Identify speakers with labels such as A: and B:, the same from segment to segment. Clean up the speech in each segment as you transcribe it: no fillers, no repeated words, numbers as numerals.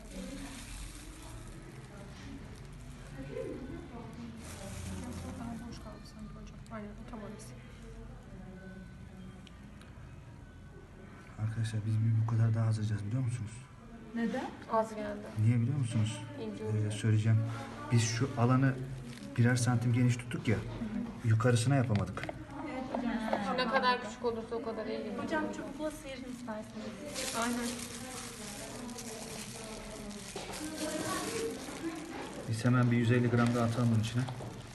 A: Daha boş kaldı sanki hocam. Aynen o tam orası.
B: Arkadaşlar biz bu kadar daha az alacağız biliyor musunuz?
A: Neden? Az geldi.
B: Niye biliyor musunuz?
A: İnce
B: Söyleyeceğim. Biz şu alanı birer santim geniş tuttuk ya. Yukarısına yapamadık.
A: Şu ne kadar küçük olursa o kadar iyi gibi.
C: Hocam çubukla sıyırın isterseniz.
A: Aynen.
B: Biz hemen bir 150 gram daha atalım bunun içine.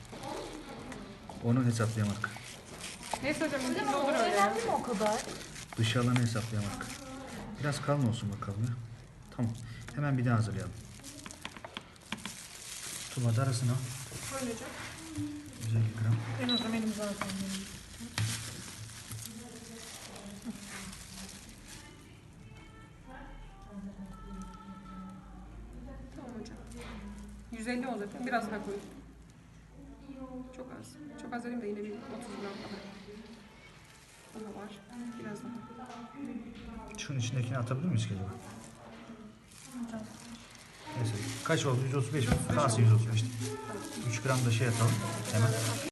B: Onu hesaplayamadık.
A: Neyse hocam
C: Hocam
A: ne
C: o
A: olur öyle ya.
C: önemli mi o kadar?
B: Dış alanı hesaplayamadık. Biraz kalın olsun bakalım ya. Tamam. Hemen bir daha hazırlayalım. Tuba da arasına.
A: Öyle hocam.
B: 150 gram.
A: En hocam elim zaten. Tamam hocam. 150 olacak. Biraz daha koyayım. Çok az. Çok az dedim de yine bir 30 gram kadar. Daha var. Biraz daha.
B: Şunun içindekini atabilir miyiz ki acaba? Neyse. Kaç oldu? 135 mi? Kalsın 135. 3 gram da şey atalım. Hemen.